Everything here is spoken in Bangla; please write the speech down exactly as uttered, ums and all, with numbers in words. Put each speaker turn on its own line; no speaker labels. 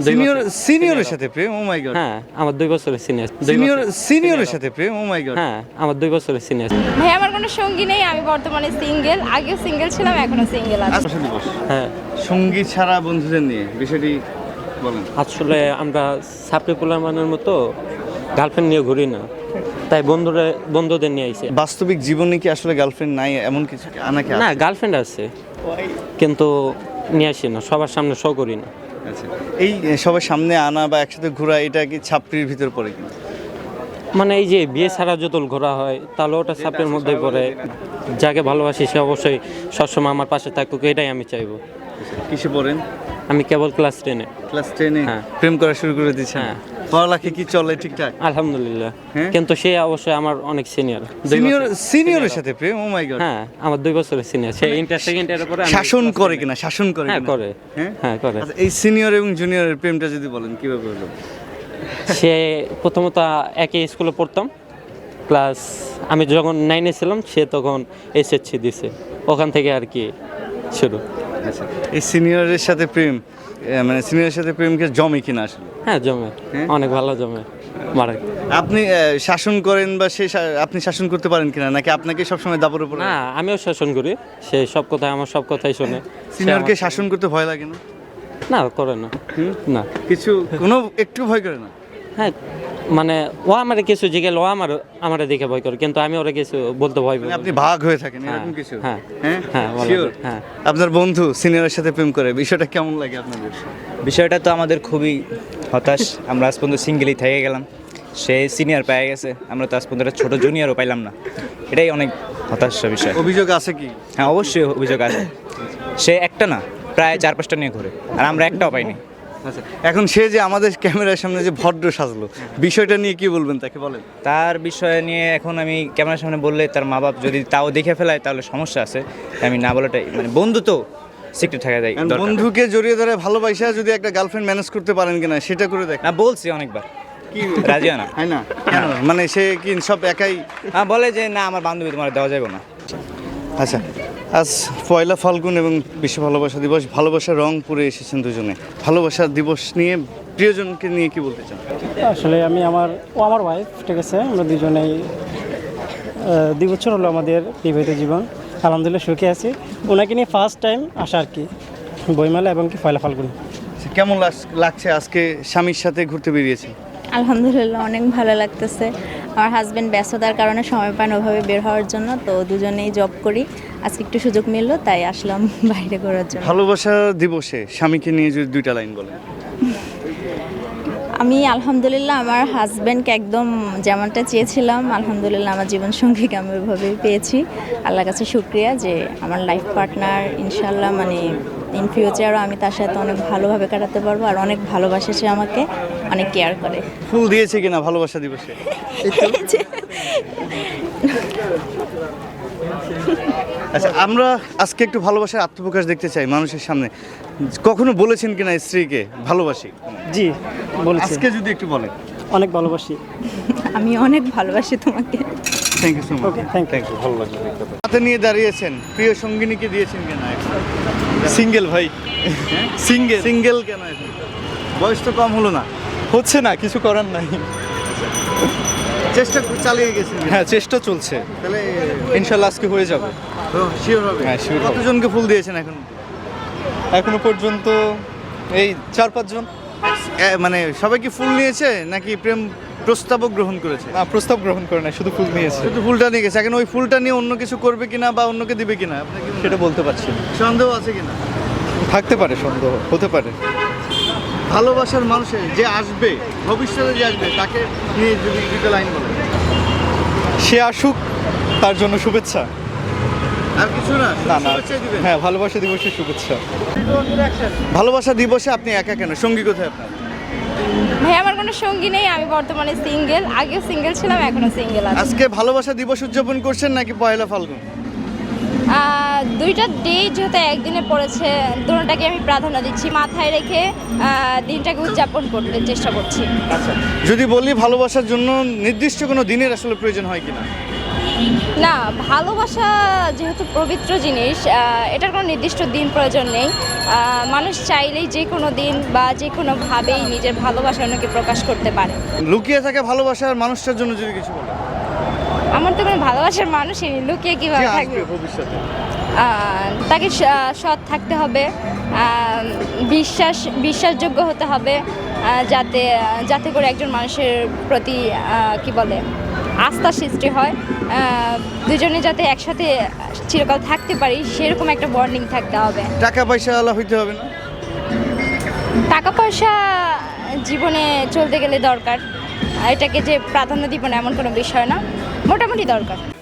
সিনিয়র সিনিয়রের সাথে প্রেম, ও মাই গড।
হ্যাঁ আমার দুই বছরের সিনিয়র।
সিনিয়র সিনিয়রের সাথে প্রেম, ও মাই গড।
হ্যাঁ আমার দুই বছরের সিনিয়র।
ভাই আমার কোনো সঙ্গী নেই, আমি বর্তমানে সিঙ্গেল, আগেও সিঙ্গেল ছিলাম, এখনো সিঙ্গেল আছি।
ভালোবাসা দিবস,
হ্যাঁ
সঙ্গী ছাড়া বন্ধুদের নিয়ে বিষয়টি বলেন।
আসলে আমরা সাপ্লি পোলামানের মতো গার্লফ্রেন্ড নিয়ে ঘুরি না, তাই বন্ধুরা বন্ধুদের নিয়ে আইছে।
বাস্তবিক জীবনে কি আসলে গার্লফ্রেন্ড নাই এমন কিছু আনাকে
না গার্লফ্রেন্ড আছে কিন্তু নিয়ে আসি না, সবার সামনে শো করি না।
আচ্ছা, এই সবার সামনে আনা বা একসাথে ঘোরা এটা কি ছাপড়ির ভিতর পড়ে কিনা?
মানে এই যে বিয়ে ছাড়া যতল ঘোরা হয় তাহলে ওটা সাপের মধ্যে পড়ে। যাকে ভালোবাসি সে অবশ্যই সবসময় আমার পাশে থাকুক, এটাই আমি চাইবো।
কিসে পড়েন?
আমি কেবল ক্লাস টেনে।
ক্লাস টেনে
হ্যাঁ।
প্রেম করা শুরু করে দিয়েছেন?
হ্যাঁ।
পড়ালেখা কি চলে ঠিকঠাক?
আলহামদুলিল্লাহ।
হ্যাঁ?
কিন্তু সে অবশ্যই আমার অনেক সিনিয়র।
সিনিয়র সিনিয়রের সাথে প্রেম, ও মাই গড।
হ্যাঁ আমার দুই বছরের সিনিয়র। সে ইন্টার সেকেন্ড ইয়ারের পরে আমি
শাসন
class
করে
ten এ।
কিনা? শাসন করে
হ্যাঁ
কিনা?
করে।
হ্যাঁ
হ্যাঁ করে।
আচ্ছা, এই সিনিয়র এবং জুনিয়রের প্রেমটা যদি বলেন কিভাবে হলো?
সে প্রথমত একই স্কুলে পড়তাম, ক্লাস আমি যখন নাইনে ছিলাম সে তখন এসএসসি দিছে, ওখান থেকে আর কি শুরু।
আচ্ছা, এই সিনিয়রের সাথে প্রেম এ, মানে সিনিয়রের সাথে প্রেমকে জমে কিনা আসলে?
হ্যাঁ জমে,
হ্যাঁ?
অনেক ভালো জমে মারা।
আপনি এ, শাসন করেন বা সে শা- আপনি শাসন করতে পারেন কিনা, নাকি আপনাকে সবসময় দাপর উপর?
না আমিও শাসন করি, সে সব কথাই আমার সব কথাই শোনে।
সিনিয়রকে শাসন করতে ভয় লাগে না?
না করে না।
হুম?
না
কিছু কোনো একটু ভয় করে না?
হ্যাঁ মানে ও আমার কিছু জিজ্ঞেস, ও আমার আমার দেখে ভয় করে, কিন্তু আমি ওরা কিছু বলতে ভয়
মানে
পাই।
আপনি ভাগ হয়ে থাকেন
হ্যাঁ,
এরকম কিছু?
হ্যাঁ,
হ্যাঁ
হ্যাঁ, বলা
Sure?
যায়, হ্যাঁ।
আপনার বন্ধু সিনিয়রের সাথে প্রেম করে, বিষয়টা কেমন লাগে আপনাদের?
বিষয়টা তো আমাদের খুবই হতাশ। আমরা আজ পর্যন্ত সিঙ্গেলই থেকে গেলাম, সে সিনিয়র পেয়ে গেছে, আমরা তো আজ পর্যন্ত একটা ছোট জুনিয়রও পাইলাম না। এটাই অনেক হতাশার বিষয়।
অভিযোগ আছে কি?
হ্যাঁ অবশ্যই অভিযোগ আছে, সে একটা না প্রায় চার পাঁচটা নিয়ে ঘুরে, আর আমরা একটাও পাইনি।
আচ্ছা, এখন সে যে আমাদের ক্যামেরার সামনে যে ভদ্র সাজলো, বিষয়টা নিয়ে কি বলবেন তাকে বলেন।
তার বিষয় নিয়ে এখন আমি ক্যামেরার সামনে বললে তার মা বাপ যদি তাও দেখে ফেলায় তাহলে সমস্যা আছে। আমি না বলাটাই মানে, বন্ধু তো সিক্রেট থাকা যায়
And
দরকার।
বন্ধুকে জড়িয়ে ধরে ভালোবাসা যদি একটা গার্লফ্রেন্ড ম্যানেজ করতে পারেন কিনা সেটা করে দেখ।
না বলছি অনেকবার,
কি
রাজি হয় না।
হয় না কেন? মানে সে কি সব একাই?
হ্যাঁ বলে যে না আমার বান্ধবী তোমার দেওয়া যাবে না।
আচ্ছা, আজ পয়লা ফাল্গুন এবং বিশ্ব ভালোবাসা দিবস, ভালোবাসার রং পুরে এসেছেন দুজনে। ভালোবাসা দিবস নিয়ে প্রিয়জনকে নিয়ে কি বলতে চান?
আসলে আমি আমার ও আমার ওয়াইফ, ঠিক আছে, আমরা দুজনেই আহ, দুই বছর হলো আমাদের বিবাহিত জীবন, আলহামদুলিল্লাহ সুখে আছি। ওনাকে নিয়ে ফার্স্ট টাইম আসা আর কি বইমেলা এবং কি পয়লা ফাল্গুন।
আচ্ছা, কেমন লাগ- লাগছে আজকে স্বামীর সাথে ঘুরতে বেরিয়েছে?
আলহামদুলিল্লাহ অনেক ভালো লাগতেছে। আমার হাজব্যান্ড ব্যস্ততার কারণে সময় পান ওভাবে বের হওয়ার জন্য, তো দুজনেই জব করি, আজকে একটু সুযোগ মিললো তাই আসলাম বাইরে ঘোরার জন্য।
ভালোবাসা দিবসে স্বামীকে নিয়ে যদি দুইটা লাইন বলেন।
আমি আলহামদুলিল্লাহ আমার হাজব্যান্ডকে একদম যেমনটা চেয়েছিলাম, আলহামদুলিল্লাহ আমার জীবনসঙ্গীকে আমি ওইভাবেই পেয়েছি। আল্লাহর কাছে শুক্রিয়া যে আমার লাইফ পার্টনার ইনশাল্লাহ মানে ইন ফিউচারও আমি তার সাথে অনেক ভালোভাবে কাটাতে পারবো, আর অনেক ভালোবাসে সে আমাকে, অনেক কেয়ার করে।
ফুল দিয়েছে কিনা ভালোবাসা দিবসে? আচ্ছা, আমরা আজকে একটু ভালোবাসার আত্মপ্রকাশ দেখতে চাই মানুষের সামনে। কখনো বলেছেন কিনা স্ত্রীকে ভালোবাসি?
জি বলেছি,
আজকে যদি একটু বলেন।
অনেক ভালোবাসি।
আমি অনেক ভালোবাসি তোমাকে।
Thank you so much.
Okay, thank you.
Thank you, ভালো লাগলো দেখতে। হাতে নিয়ে দাঁড়িয়েছেন, প্রিয় সঙ্গিনীকে দিয়েছেন কিনা?
সিঙ্গেল ভাই, সিঙ্গেল
সিঙ্গেল কেন এখন? বয়স তো কম হলো না?
হচ্ছে না, কিছু করার নাই।
চেষ্টা করে চালিয়ে গেছেন?
হ্যাঁ চেষ্টা চলছে,
তাহলে
ইনশাল্লাহ আজকে হয়ে যাবে।
শিওর হবে?
হ্যাঁ, sure হবে।
কতজনকে ফুল দিয়েছেন এখন?
এখনো পর্যন্ত এই চার পাঁচজন।
এ, মানে সবাই কি ফুল নিয়েছে নাকি প্রেম প্রস্তাবও গ্রহণ করেছে?
না প্রস্তাব গ্রহণ করে না, শুধু ফুল নিয়েছে।
শুধু ফুলটা নিয়ে গেছে, এখন ওই ফুলটা নিয়ে অন্য কিছু করবে কিনা বা অন্যকে দিবে কিনা আপনার কি মনে হয়?
সেটা বলতে পারছি না,
সন্দেহ আছে কিনা?
থাকতে পারে, সন্দেহ হতে পারে।
ভালোবাসার মানুষের যে আসবে, ভবিষ্যতে যে আসবে, তাকে নিয়ে যদি দুটো লাইন বলেন।
সে আসুক, তার জন্য শুভেচ্ছা।
আর কিছু না?
না না,
শুভেচ্ছাই দিবেন?
হ্যাঁ ভালোবাসা দিবসের শুভেচ্ছা।
ভালোবাসা দিবসে আপনি একা কেন? সঙ্গী কোথায় আপনার?
ভাই আমার কোনো সঙ্গী নেই, আমি বর্তমানে সিঙ্গেল, আগেও সিঙ্গেল ছিলাম, এখনো সিঙ্গেল আছি।
আজকে ভালোবাসা দিবস উদযাপন করছেন নাকি পয়লা ফাল্গুন?
আহ, দুইটা ডেট যেহেতু একদিনে পড়েছে, দুটোটাকে আমি প্রাধান্য দিচ্ছি, মাথায় রেখে আহ, দিনটাকে উদযাপন করতে চেষ্টা করছি।
আচ্ছা, যদি বলি ভালোবাসার জন্য নির্দিষ্ট কোনো দিনের আসলে প্রয়োজন হয় কিনা?
না, ভালোবাসা যেহেতু পবিত্র জিনিস, আহ, এটার কোনো নির্দিষ্ট দিন প্রয়োজন নেই। আহ, মানুষ চাইলেই যে কোনো দিন বা যে কোনোভাবেই নিজের ভালোবাসা অন্যকে প্রকাশ করতে পারে।
লুকিয়ে থাকা ভালোবাসার মানুষটার জন্য যদি কিছু বলেন
আমার তো কোনো ভালোবাসার মানুষই নেই, লুকিয়ে
যে
কীভাবে
আসবে
থাকবে?
ভবিষ্যতে
আহ, তাকে স- সৎ থাকতে হবে, আহ, বিশ্বাস বিশ্বাসযোগ্য হতে হবে, আহ, যাতে যাতে করে একজন মানুষের প্রতি আহ, কি বলে আস্থা সৃষ্টি হয়, আহ, দুজনে যাতে একসাথে চিরকাল থাকতে পারি সেরকম একটা বন্ডিং থাকতে হবে।
টাকা পয়সা আলা হইতে হবে না?
টাকা পয়সা জীবনে চলতে গেলে দরকার, এটাকে যে প্রাধান্য দিব না এমন কোনো বিষয় না, মোটামুটি দরকার।